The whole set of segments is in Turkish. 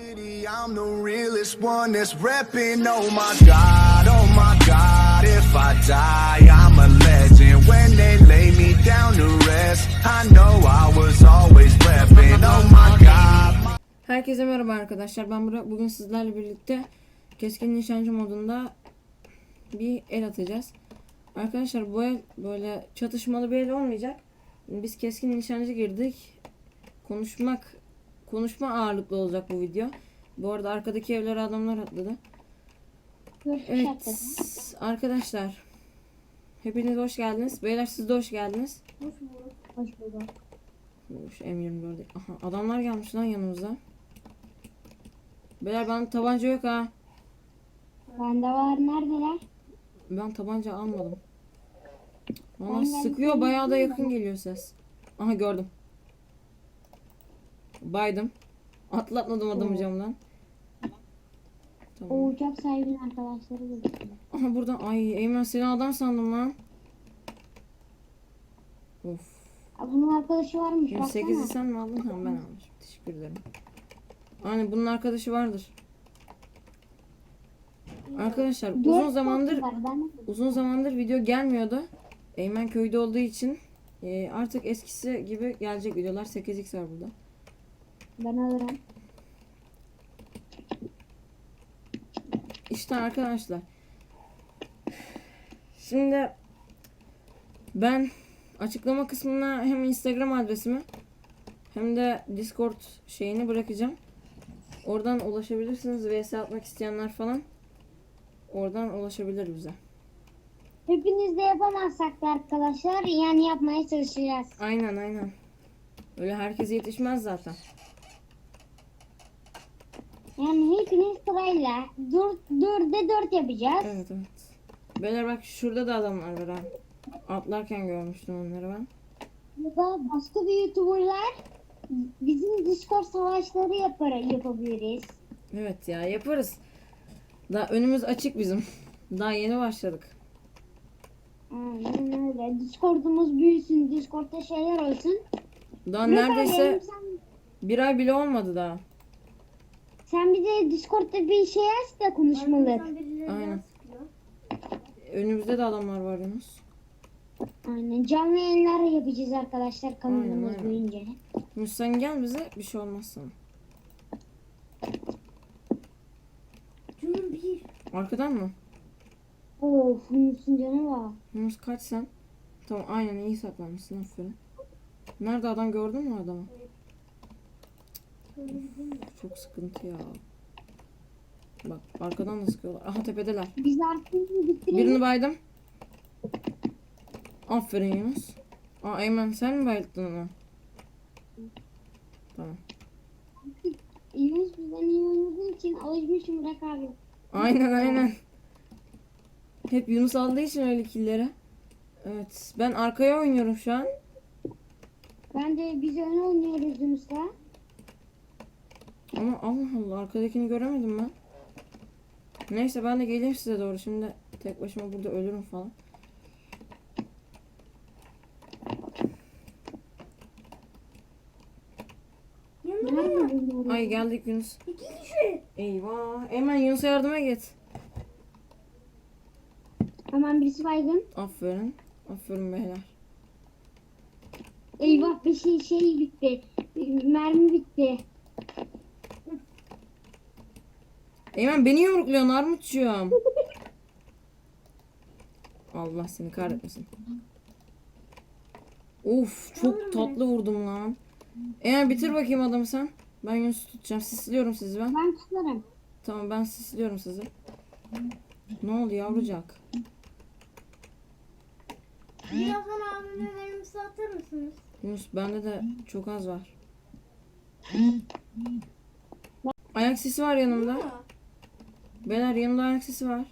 city, I'm the realest one that's repping. Oh my God, if I die, I'm a legend. When they lay me down to rest, I know I was always repping. Oh my God. Herkese merhaba arkadaşlar. Ben Burak. Bugün sizlerle birlikte keskin nişancı modunda bir el atacağız. Arkadaşlar bu el böyle çatışmalı bir el olmayacak. Biz keskin nişancı girdik. Konuşma ağırlıklı olacak bu video. Bu arada arkadaki evlere adamlar atladı. Evet arkadaşlar. Hepiniz hoş geldiniz. Beyler siz de hoş geldiniz. Hoş bulduk. M24. Aha, adamlar gelmiş lan yanımıza. Beyler bana tabanca yok ha. Bende var. Neredeler? Ben tabanca almadım. Valla Ben sıkıyor, geldim. bayağı da yakın geliyor ses. Aha gördüm. Baydım. Atlatmadım adamı camdan. O Tamam. uçak sahibinin arkadaşları gözüküyor. Aha buradan ay Eymen seni adam sandım lan. Of. Bunun arkadaşı varmış. 28'i Baksana. sen mi aldın? Tamam ben almışım. Teşekkür ederim. Aynen bunun arkadaşı vardır. Arkadaşlar Dört var, uzun zamandır video gelmiyordu. Eymen köyde olduğu için artık eskisi gibi gelecek videolar. 8x var burada. Ben alırım. İşte arkadaşlar. Şimdi ben açıklama kısmına hem Instagram adresimi hem de Discord şeyini bırakacağım. Oradan ulaşabilirsiniz. VS atmak isteyenler falan oradan ulaşabilir bize. Hepiniz de yapamazsak da arkadaşlar yani yapmaya çalışacağız. Aynen. Öyle herkese yetişmez zaten. Yani hepiniz sırayla 4'e 4 yapacağız. Evet. Beyler bak şurada da adamlar var ha. Atlarken görmüştüm onları ben. Ya da başka bir YouTuber'lar bizim Discord savaşları yapabiliriz. Evet ya yaparız. Daha önümüz açık bizim. Daha yeni başladık. Aynen öyle. Discord'umuz büyüsün. Discord'da şeyler olsun. Daha Burak abi, neredeyse bir ay bile olmadı daha. sen bir de Discord'da bir şey aç da konuşmalık. Aynen. Önümüzde de adamlar var Yunus. Aynen. Canlı yayınlar yapacağız arkadaşlar kanalımız Aynen. boyunca. Yunus sen gel bize bir şey olmaz sana. Canım bir. Arkadan mı? Of, Yunus'un canı var. Yunus kaç sen? Tamam aynen iyi saklanmışsın aferin. Nerede adam gördün mü adamı? Çok sıkıntı ya. Bak arkadan da sıkıyorlar. Aha tepedeler. Biz artık bitirelim. Birini baydım. Aferin Yunus. Aa Eymen sen mi bayıldın onu? Tamam. Yunus bizden iyi oynadığı için alışmışım Burak abi. Aynen. Hep Yunus aldığı için öyle killleri. Evet ben arkaya oynuyorum şu an. Ben de biz öne oynuyoruz Yunus'la. Ama Allah Allah arkadakini göremedim ben. Neyse ben de geleyim size doğru. Şimdi tek başıma burada ölürüm falan. Ay geldik Yunus. Eyvah. Hemen Yunus'a yardıma git. Hemen birisi baygın. Aferin. Aferin beyler. Eyvah bir şey bitti. Mermi bitti. Eymen beni yumrukluyorsun Armutçuğum. Allah seni kahretmesin. Of çok tatlı vurdum lan. Eymen bitir bakayım adamı sen. Ben Yunus'u tutacağım. Sisliyorum sizi ben. Ben tutarım. Tamam ben sisliyorum sizi. Ne oldu yavrucak? Birazdan abime verimizi atar mısınız? Yunus bende de çok az var. Ayak sesi var yanımda. Beyler yanımda ayak sesi var.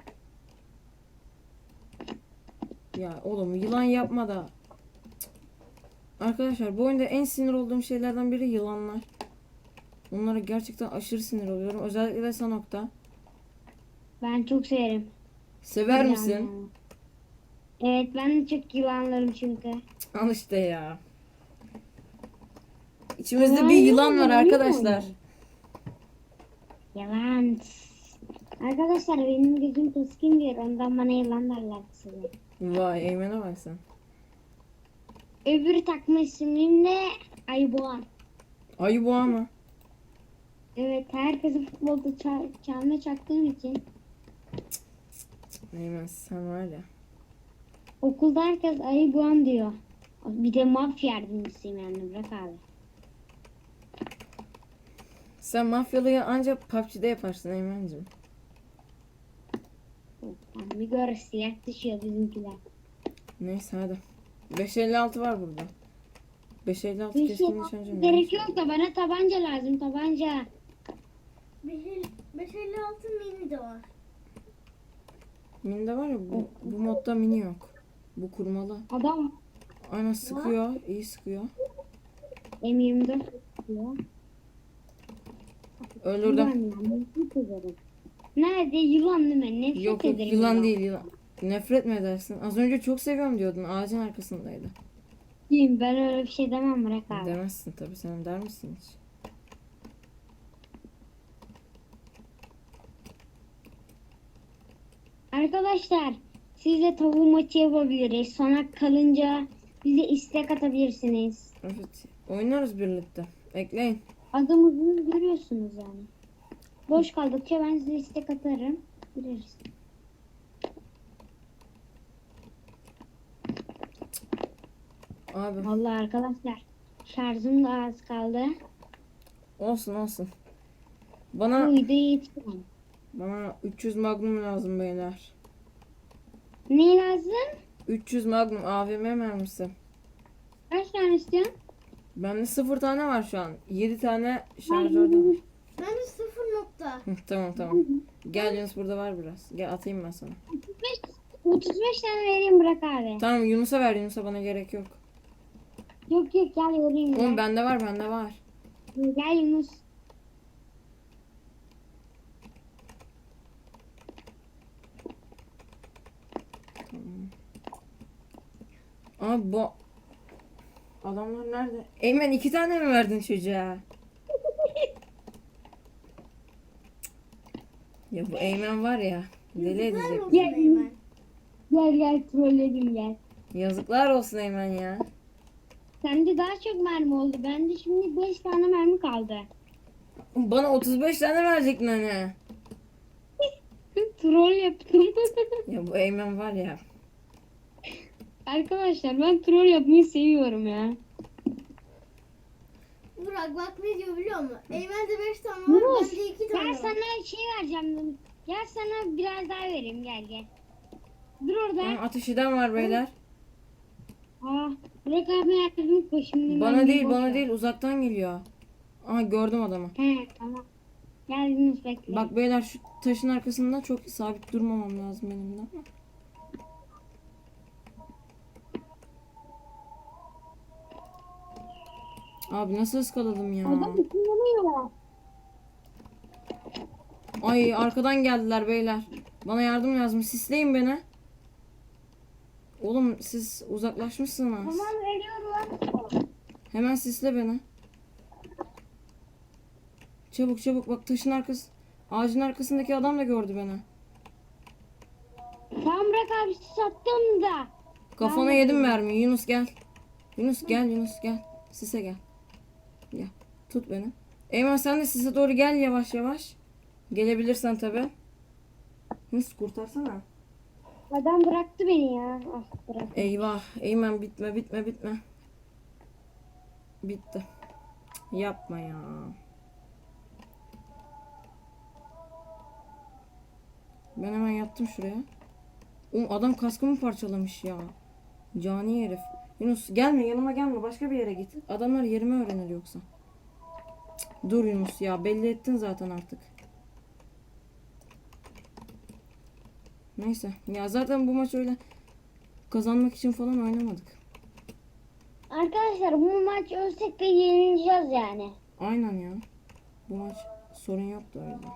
Ya oğlum yılan yapma da. Cık. Arkadaşlar bu oyunda en sinir olduğum şeylerden biri yılanlar. Onlara gerçekten aşırı sinir oluyorum. Özellikle de Sanok'ta. Ben çok severim. Sever Yılan misin? yani. Evet ben de çok yılanlarım çünkü. Al işte ya. İçimizde Yılan bir yılan yok var mu? arkadaşlar. Yalan. Arkadaşlar benim gözüm keskindir. Ondan bana yılan derler size. Vay Eymen'e bak sen. Öbür takma ismim de Ayboğan. Ayı boğa mı? Evet, herkesi futbolda çalma çaktığım için Eymen sen var ya. okulda herkes Ayboğan diyor. Bir de mafya yardımcısıyım yani, bırak abi. Sen mafyalıyı ancak PUBG'de yaparsın Eymen'cim. Bir gör, silah düşüyor bizimkiler. Neyse hadi. 556 var burada. 556 Bir şey keskin nişancım. gerek yok da bana tabanca lazım, tabanca. 556 mini de var. Mini'de var ya bu modda mini yok. Bu kurmalı. Adam Aynen sıkıyor. İyi sıkıyor. M24 diyor. Öldürdüm. Yılan ya, nefret ederim. Nerede yılan değil mi? Nefret Yok yok ederim. yılan değil yılan. Nefret mi edersin? Az önce çok seviyorum diyordun. Ağacın arkasındaydı. Değil, ben öyle bir şey demem, bırak abi. Demezsin tabii, sen der misin hiç? Arkadaşlar, siz de tavuğu maçı yapabiliriz. Sona kalınca bize istek atabilirsiniz. Evet. Oynarız birlikte. Ekleyin. Adımızı görüyorsunuz yani. Boş kaldıkça ben size istek atarım. Gireriz. Abi Vallahi arkadaşlar, şarjım da az kaldı. olsun olsun. Bu Bana videoyu yetiştiremem. 300 magnum lazım beyler. Ne lazım? 300 magnum AVM mermisi. Kaç tane istiyorsun? Bende 0 tane var şu an. 7 tane şarjörde var. Bende 0 nokta. Hı, tamam tamam. Gel Yunus, burada var biraz. Gel atayım ben sana. 35 tane vereyim, bırak abi. Tamam Yunus'a ver, Yunus'a bana gerek yok. Yok yok, gel vereyim. Oğlum Gel. bende var, bende var. Gel Yunus. Abi bu adamlar nerede? Eymen 2 tane mi verdin çocuğa? Ya bu Eymen var ya, deli Yazıklar edecek. olsun Gel. Eymen. Gel trolledim gel. Yazıklar olsun Eymen ya. Sende daha çok mermi oldu. Bende şimdi 5 tane mermi kaldı. Bana 35 tane verecektin hani. Troll yaptım. Ya bu Eymen var ya. Arkadaşlar, ben troll yapmayı seviyorum ya. Burak bak ne diyor biliyor musun? Eymen'de 5 tane var, Yunus, bende 2 tane gel var. sana şey vereceğim. Gel sana biraz daha vereyim, gel gel. Dur orada. Ateş eden var beyler. Bırak abi yardım koşun. Bana değil, bana değil, uzaktan geliyor. Aha gördüm adamı. He tamam. Gel Yunus, bekle. Bak beyler şu taşın arkasında çok sabit durmamam lazım benim de ama. Abi nasıl ıskaladım ya? Adam ısınlanıyor. Ay arkadan geldiler beyler. Bana yardım lazım. Sisleyin beni. Oğlum siz uzaklaşmışsınız. Tamam, veriyorum. Hemen sisle beni. Çabuk çabuk, bak taşın arkası. Ağacın arkasındaki adam da gördü beni. Tamam, bırak abi, sattım da. Kafana yedim mermiyi. Yunus gel. Yunus gel, Yunus gel. Sise gel. Gel. Tut beni. Eymen sen de sise doğru gel yavaş yavaş. Gelebilirsen tabi. Yunus kurtarsana. Adam bıraktı beni ya. Ah, bırak. Eyvah. Eymen bitme bitme bitme. Bitti. Cık, yapma ya. Ben hemen yattım şuraya. Oğlum adam kaskımı parçalamış ya. Cani herif. Yunus gelme, yanıma gelme, başka bir yere git. Adamlar yerimi öğrenir yoksa. Cık, dur Yunus ya, belli ettin zaten artık. Neyse ya, zaten bu maç öyle kazanmak için falan oynamadık. Arkadaşlar, bu maç ölsek de yenileceğiz yani. Aynen ya. Bu maç sorun yoktu o yüzden.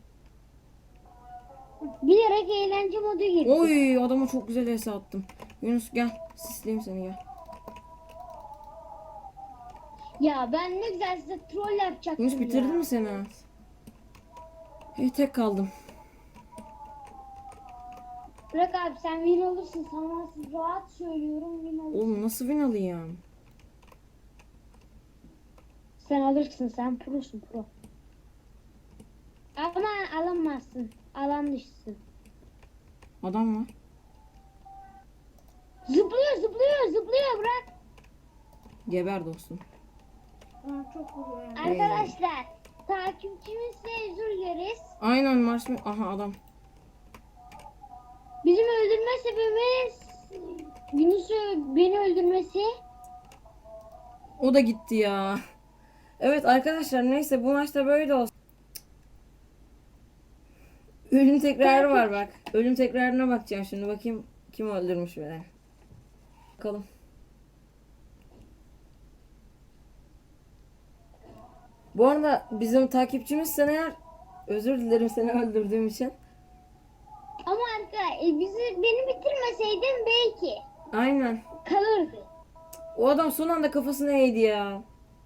Bilerek eğlence modu girdi. Oy adama çok güzel ese attım. Yunus gel, sisleyeyim seni, gel. Ya ben ne güzel size troll yapacaktım Yunus bitirdi ya. mi seni? Tek kaldım. Bırak abi sen win olursun. Sana rahat söylüyorum win olursun. Oğlum nasıl win alayım? Sen alırsın, sen prosun pro. Ama alamazsın. Alan dışısın. Adam var. Zıplıyor bırak. Geber dostum. Aa, çok vuruyor yani. Arkadaşlar takipçimizle özür dileriz. Aynen marshmallow. Aha adam. Bizim öldürme sebebimiz Yunus'u beni öldürmesi. O da gitti ya. Evet arkadaşlar neyse bu maçta böyle olsun. Ölüm tekrarı var bak. Ölüm tekrarına bakacağım şimdi. Bakayım kim öldürmüş beni. Bakalım. Bu arada bizim takipçimiz sen eğer özür dilerim seni öldürdüğüm için. Ama beni bitirmeseydin belki Aynen. kalırdı. O adam son anda kafasına eğdi ya.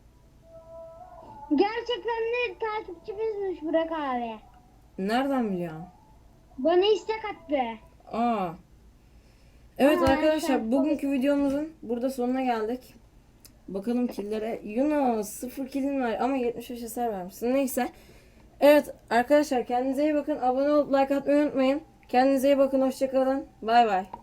Gerçekten de takipçimizmiş Burak abi. Nereden biliyorsun? Bana istek attı. Aa. Evet Aa, arkadaşlar sen- bugünkü videomuzun burada sonuna geldik. Bakalım killere. Yunus 0 killin var ama 75 hasar vermişsin. Neyse. Evet arkadaşlar kendinize iyi bakın. Abone olup like atmayı unutmayın. Kendinize iyi bakın. Hoşçakalın. Bay bay.